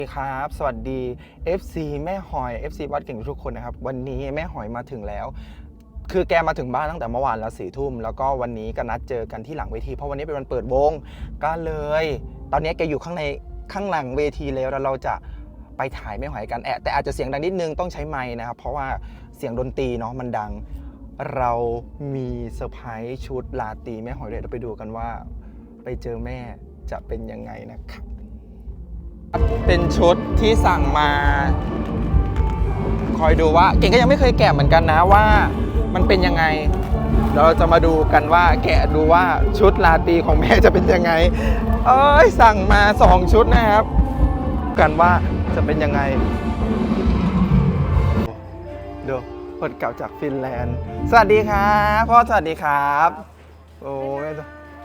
สวัสดีครับสวัสดี FC แม่หอย FC วัดเก่งทุกคนนะครับวันนี้แม่หอยมาถึงแล้วคือแกมาถึงบ้านตั้งแต่เมื่อวานแล้ว4 ทุ่มแล้วก็วันนี้ก็นัดเจอกันที่หลังเวทีเพราะวันนี้เป็นวันเปิดวงก็เลยตอนนี้แกอยู่ข้างหลังเวทีแล้วเราจะไปถ่ายแม่หอยกันแต่อาจจะเสียงดังนิดนึงต้องใช้ไมค์นะครับเพราะว่าเสียงดนตรีเนาะมันดังเรามีเซอร์ไพรส์ชุดลาตรีแม่หอยเดี๋ยวเราไปดูกันว่าไปเจอแม่จะเป็นยังไงนะครับเป็นชุดที่สั่งมาคอยดูว่าเก่งก็ยังไม่เคยแกะเหมือนกันนะว่ามันเป็นยังไงเราจะมาดูกันว่าแกะดูว่าชุดลาตรีของแม่จะเป็นยังไงสั่งมา2 ชุดนะครับกันว่าจะเป็นยังไงดูคนเก่าจากฟินแลนด์สวัสดีครับพ่อสวัสดีครับโอ้แม่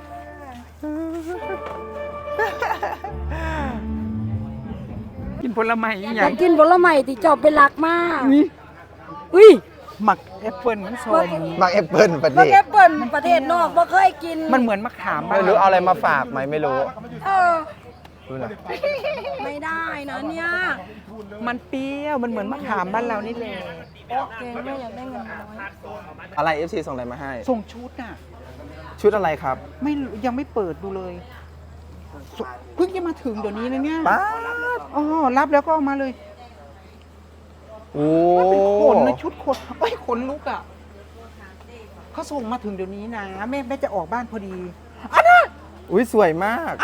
กินผลไม้ออยากกินผลไม้ที่จอบเป็นหลักมากอุ้ยหมักแอปเปิลมันส้มมักแอปเปิลประเทศแอปเปิลประเทศนอกบ่เคยกินมันเหมือนมะขามไม่รู้เอาอะไรมาฝากไหมไม่รู้รู้นะไม่ได้นะเนี่ยมันเปรี้ยวมันเหมือนมะขามบ้านเรานี่แหละเก่งไม่อยากได้เงินน้อยอะไร FC ส่งอะไรมาให้ส่งชุดน่ะชุดอะไรครับไม่ยังไม่เปิดดูเลยเพิ่งจะมาถึงเดี๋ยวนี้นะเนี่ยป๊าบรับแล้วก็เอามาเลยโอ้เป็นขนนะชุดขนขนลุกอ่ะเขาส่งมาถึงเดี๋ยวนี้นะแม่จะออกบ้านพอดีอันน่ะอุ้ยสวยมาก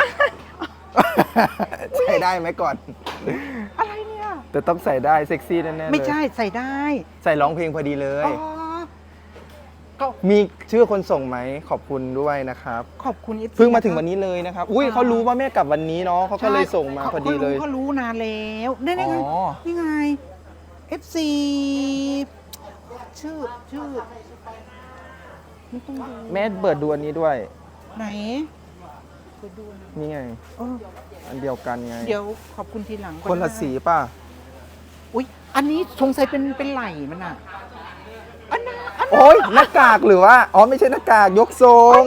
ใส่ได้ไหมก่อนอะไรเนี่ยแต่ต้องใส่ได้เซ็กซี่แน่ๆเลยไม่ใช่ใส่ได้ใส่ร้องเพลงพอดีเลยมีชื่อคนส่งไหมขอบคุณด้วยนะครับขอบคุณเพิ่งมาถึงวันนี้เลยนะครับอุ้ยเขารู้ว่าแม่กลับวันนี้เนาะเขาก็เลยส่งมาพอดีเลยเขารู้นานแล้วนี่ไงนี่ไง FC ชื่อแม่เปิดดูอันนี้ด้วยไหนนี่ไงอันเดียวกันไงเดี๋ยวขอบคุณทีหลังคนละสีป่ะอุ้ยอันนี้สงสัยเป็นไหล่มันอ่ะโอ้ยหน้ากากหรือว่าไม่ใช่หน้ากากยกทรง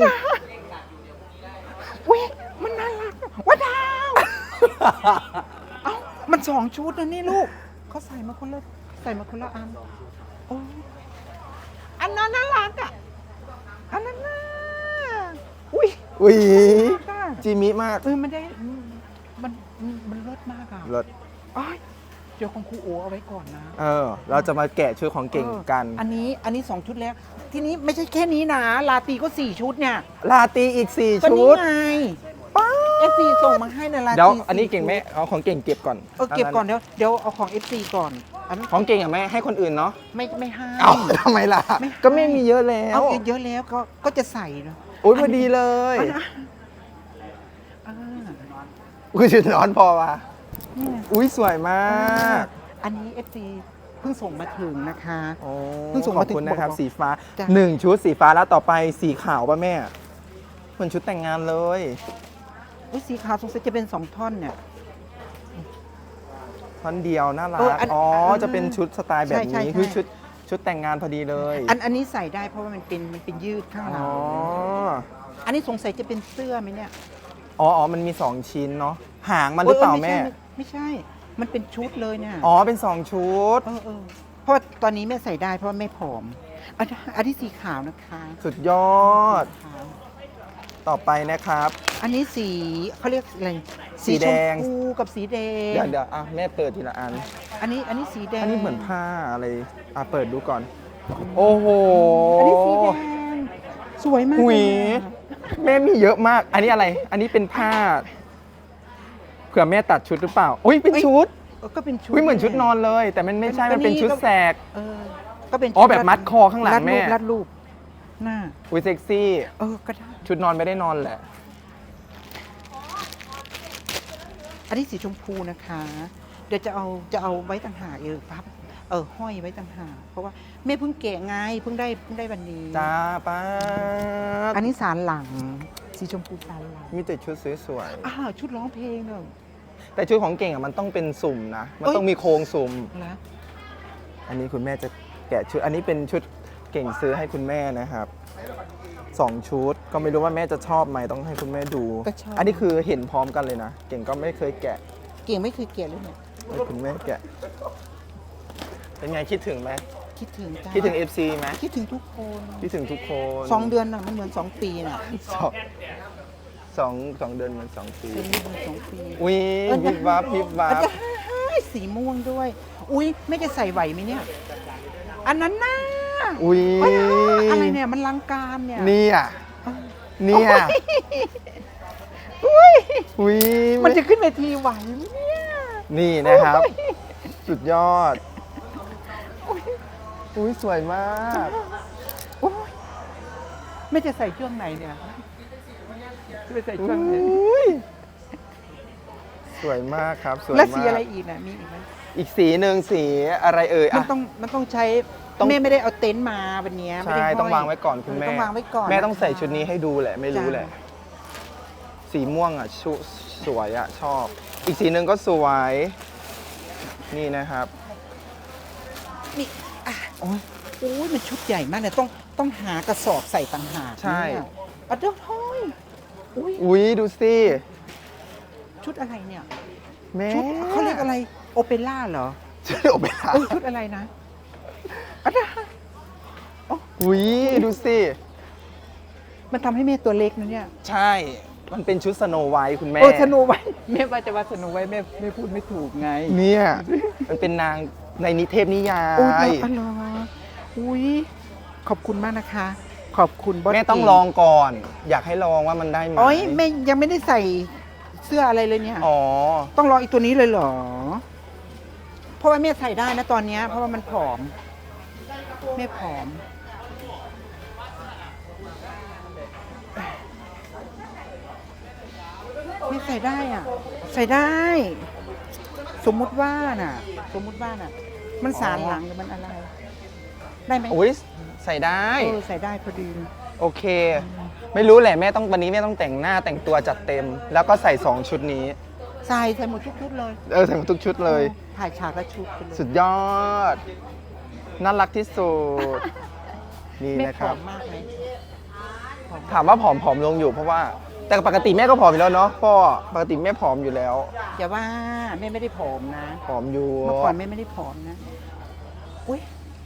เว้ยมันน่ารักว้าดาวมัน2 ชุดนะนี่ลูกเขาใส่มาคนละอันโอ้อันนั้นน่ารักอ่ะอันนั้นน่าอุ้ยจีมิมากมันได้มันเลิศมากอ่ะเลิศเดี๋ยวของครูโอเอาไว้ก่อนนะเราจะมาแกะชุดของเก่งกันอันนี้2 ชุดแล้วทีนี้ไม่ใช่แค่นี้นะลาตรีก็4 ชุดเนี่ยลาตรีอีก4 ชุดไงFC ส่งมาให้ในลาตรีเดี๋ยวอันนี้เก่งแม่เอาของเก่งเก็บก่อนเก็บก่อนเดี๋ยวเอาของ FC ก่อนของเก่งอ่ะแม่ให้คนอื่นเนาะไม่ให้ทำไมล่ะก็ไม่มีเยอะแล้วเยอะแล้วก็จะใส่นะโอ้ยพอดีเลยอุ้ยชุดนอนพอว่ะอุ้ยสวยมากอันนี้ FC เพิ่งส่งมาถึงนะคะเพิ่งส่งมาถึงนะครับสีฟ้า1 ชุดสีฟ้าแล้วต่อไปสีขาวป่ะแม่เหมือนชุดแต่งงานเลยสีขาวสงสัยจะเป็น2 ท่อนเนี่ยท่อนเดียวน่ารักจะเป็นชุดสไตล์แบบนี้คือชุดแต่งงานพอดีเลยอันนี้ใส่ได้เพราะว่ามันเป็นยืดข้างหลังอันนี้สงสัยจะเป็นเสื้อไหมเนี่ยมันมี2 ชิ้นเนาะหางมันหรือเปล่าแม่ไม่ใช่มันเป็นชุดเลยเนี่ยเป็น2 ชุดเพราะตอนนี้แม่ใส่ได้เพราะแม่ผอมอันที่สีขาวนะคะสุดยอดต่อไปนะครับอันนี้สีเขาเรียกอะไรสีแดงชมพูกับสีแดงเดี๋ยวแม่เปิดทีละอันอันนี้สีแดงอันนี้เหมือนผ้าอะไรเปิดดูก่อนโอ้โหอันนี้สีแดงสวยมากแม่มีเยอะมากอันนี้อะไรอันนี้เป็นผ้าเผื่อแม่ตัดชุดหรือเปล่าเป็นชุดก็เป็นชุดเหมือนชุดนอนเลยแต่มันไม่ใช่มันเป็นชุดแสกก็เป็นแบบมัดคอข้างหลังแม่รัดรูปหน้าเซ็กซี่ก็ได้ชุดนอนไม่ได้นอนแหละอันนี้สีชมพูนะคะเดี๋ยวจะเอาไว้ต่างหากปั๊บห้อยไว้ต่างหากเพราะว่าแม่เพิ่งแกะไงเพิ่งได้วันนี้จ้าป้าอันนี้สารหลังสีชมพูสารหลังมีแต่ชุดสวยๆชุดร้องเพลงเนอะแต่ชุดของเก่งมันต้องเป็นสุ่มนะมันต้องมีโครงสุ่มนะอันนี้คุณแม่จะแกะชุดอันนี้เป็นชุดเก่งซื้อให้คุณแม่นะครับ2 ชุดก็ไม่รู้ว่าแม่จะชอบไหมต้องให้คุณแม่ดูอันนี้คือเห็นพร้อมกันเลยนะเก่งก็ไม่เคยแกะเก่งไม่เคยแกะเลยเนี่ยให้คุณแม่แกะเป็นไงคิดถึงไหมคิดถึงจ้าคิดถึง FC ไหมคิดถึงทุกคนคิดถึงทุกคน 2 เดือนน่ะมันเหมือน2 ปีน่ะสองเดือนเหมือน2 ปีเป็นเหมือน2 ปีอุ้ยพิบวับพิบวัอาบจารย์สีม่วงด้วย อุ้ยไม่จะใส่ไหวไหมเนี่ย อันนั้นน่ะอุ้ยอะไรเนี่ยมันลังการเนี่ยเนี่ยเนี่ยอุ้ยอุ้ยมันจะขึ้นเวทีไหวไหมเนี่ยนี่นะครับ สุดยอด อุ้ยสวยมากโอ้ยไม่จะใส่ช่วงไหนเนี่ยจะใส่ช่วงไหนอุ้ยสวยมากครับสวยมากแล้วสีอะไรอีกน่ะมีอีกไหมอีกสีหนึ่งสีอะไรเอ่ยมันอ่ะต้องใช้ต้องแม่ไม่ได้เอาเต็นท์มาวันเนี้ยไม่ใช่ได้ห้ยต้องวางไว้ก่อนคุณแม่ต้องวางไว้ก่อนแม่ต้องใส่ชุดนี้ให้ดูแหละ ไม่รู้แหละ สีม่วงอ่ะสวยอ่ะชอบ อีกสีหนึ่งก็สวย นี่นะครับนี่อ่ะโอ้ยมันชุดใหญ่มากเลยต้องหากระสอบใส่ต่างหากใช่เนี่ยอ่ะเดี๋ยวเฮ้ยอุ้ยอุ้ยดูสิชุดอะไรเนี่ยแม่ชุดเขาเรียกอะไรโอเปร่าเหรอชุดโอเปร่าเอ้ยชุดอะไรนะอ่ะเดี๋ยวอุ้ยดูสิมันทำให้แม่ตัวเล็กนะเนี่ยใช่ มันเป็นชุดสโนไวท์คุณแม่โอ้สโนุไว้แม่ว่าจะว่าสโนุไว้แม่พูดไม่ถูกไงเนี่ย มันเป็นนางในนิเทพนิยาโอ้ยยอ๋อเหรออุ้ยขอบคุณมากนะคะ ขอบคุณบอสแม่ต้องเก่ลองก่อน อยากให้ลองว่ามันได้ไหมโอ้ยแม่ยังไม่ได้ใส่เสื้ออะไรเลยเนี่ยอ๋อต้องลองอีกตัวนี้เลยเหรอ เพราะว่าแม่ใส่ได้นะตอนเนี้ยเพราะว่ามันผอมแม่ผอมแม่ใส่ได้อ่ะ ใส่ได้ สมมุติว่าน่ะ มันสารหลังหรือมันอะไร ได้ไหมอุ้ยใส่ได้ใส่ได้พอดีโอเค ไม่รู้แหละแม่ต้องวันนี้แม่ต้องแต่งหน้าแต่งตัวจัดเต็ม แล้วก็ใส่ 2 ชุดนี้ใส่หมดทุกชุดเลยใส่หมดทุกชุดเลยถ่ายฉากละชุดไปเลยสุดยอด น่ารักที่สุด นี่แม่นะผครัอบ มมากเลยผอมถามว่าผอมลงอยู่เพราะว่า แต่ปกติแม่ก็ผอมอยู่แล้วเนาะพ่อปกติแม่ผอมอยู่แล้วอย่าว่าแม่ไม่ได้ผอมนะผอมอยู่เมื่อก่อนแม่ไม่ได้ผอมนะ อุ้ย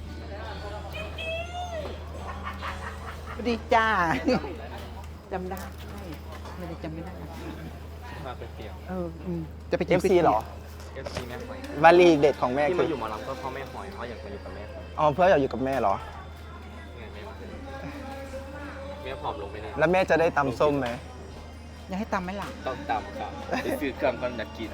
สวัสดีจ้า จำได้ไม่ได้จำไม่ได้มาเป็นเตียงจะไปเอฟซีเหรอ FC แม่หอยวลีเด็ดของแม่ที่คืมาออยู่หมอลำก็เพราะแม่หอยเพราะอยากมาอยู่กับแม่หอยอ๋อเพื่ออยากอยู่กับแม่เหรอไงแม่ผอมลงไปเนี่ยแล้วแม่จะได้ตำส้มไหมอยากให้ตำไหมล่ะต้องตำครับไปซื้อเครื่องก่อนอยากกิน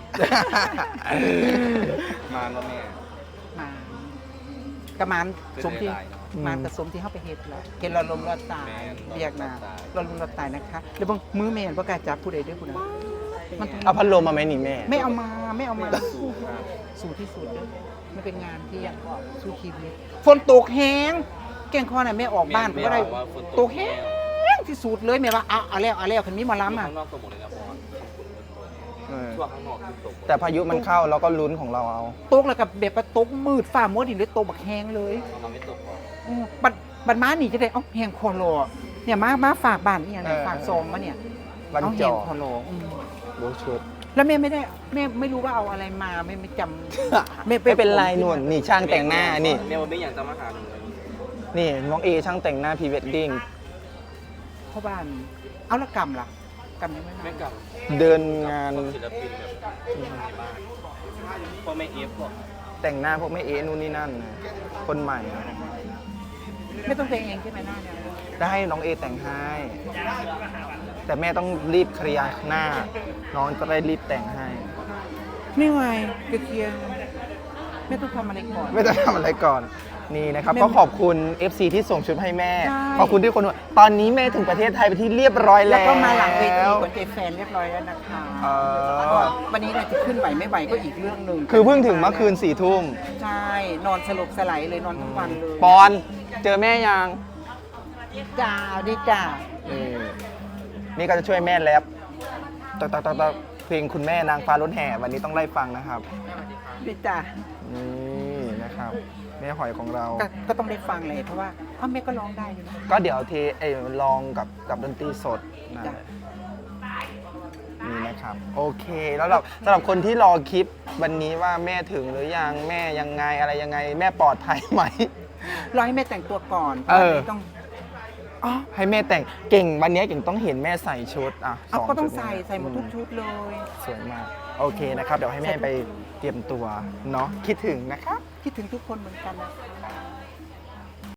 มาแล้วแม่มากระมานสมที่เป็นหลายๆเนาะมานกับสมที่เข้าไปเฮ็ดแล้วเห็นเราลมเราตายแม่นเรียกนะเราเราลมเราตายนะคะเดี๋ยวบางมือแม่นประกล้าศจับผู้ใดด้วยผู้นั้นมันต้องเอาพัดลมมาไหมนี่แม่ไม่เอามาสู้ที่สุดเลยมันเป็นงานที่อยากสู้ชีวิตฝนตกแห้งแกงคอน่ะแม่ออกบ้านก็ได้ว่าฝนตกแห้งที่สุดเลยแม่ว่าเอาแล้วคันมีหมอลำอ่ะข้างนอกตกหมดเลยนะเพราะว่าเออช่วงข้างนอกที่ตกแต่พายุมันเข้าเราก็ลุ้นของเราเอาตกแล้วกับแบบว่าตกมืดฝ่ามัวดินเลยตกบักแห้งเลยเราไม่ตกหรอกบัดม้าหนีจะได้เอ้าแห้งคอรอเนี่ยมาฝากบ้านอีหยังเนี่ยฝากซองมาเนี่ยวันเอาจแห้งอคอรอโบชุดแล้วแม่ไม่รู้ว่าเอาอะไรมาไม่จำไม่เป็นไรนุ่นนี่ช่างแต่งหน้านี่แม่วันนี้อยากจะมาหาหนูเลยนี่น้องเอช่างแต่งหน้าพรีเวดดิ้งพ่อบ้านเอาละกำล่ะกำยังไม่แม่มากับเดินงานศิลปินแบบในบ้านพ่อแม่เอฟพวกแต่งหน้าพวกแม่เอนู่นนี่นั่นนะคนใหม่อะไม่ต้องแต่งเองใช่ไหมหน้าเนี่ยได้ให้น้องเอแต่งให้ แต่แม่ต้องรีบเคลียร์หน้า น้องจะได้รีบแต่งให้ไม่ไหวเคลียร์ไม่ต้องทำอะไรก่อนไม่ต้องทำอะไรก่อนนี่นะครับแม่ก็ขอบคุณ FC ที่ส่งชุดให้แม่ใช่ขอบคุณที่คนตอนนี้แม่ถึงประเทศไทยไปนที่เรียบร้อยแล้แล้ว วก็มาหลังเวทีกดเจแฟนเรียบร้อยแล้วนะคะเออวันนี้เนี่ยจะขึ้นไหวไม่ไหวก็อีกเรื่องหนึ่งคือเพิ่งถึงเมื่อคืน4 ทุ่มใช่นอนสลบสลายเลยนอนทั้งวันเลยปอนเจอแม่ยังจ้าดิจ้านี่ก็จะช่วยแม่แรปตักเพลงคุณแม่นางฟ้ารถแห่วันนี้ต้องไล่ฟังนะครับดิจ้านี่นะครับแม่หอยของเราก็ต้องได้ฟังเลยเพราะว่าพ่อแม่ก็ร้องได้อยู่นะก็เดี๋ยวลองกับดนตรีสดนะจ้ะนี่นะครับครับ โอเค แล้วเราสำหรับคนที่รอคลิปวันนี้ว่าแม่ถึงหรือยังแม่ยังไงอะไรยังไงแม่ปลอดภัยไหมรอให้แม่แต่งตัวก่อนเออวันนี้ต้องอ๋อให้แม่แต่งเก่งวันนี้เก่งต้องเห็นแม่ใส่ชุดอ่ะเอาสก็ต้องชุดใส่เนี่ยใส่หมดทุกชุดเลยสวยมาก โอเคนะครับ เดี๋ยวให้แม่ไปเตรียมตัวเนาะคิดถึงนะครับคิดถึงทุกคนเหมือนกันนะคะ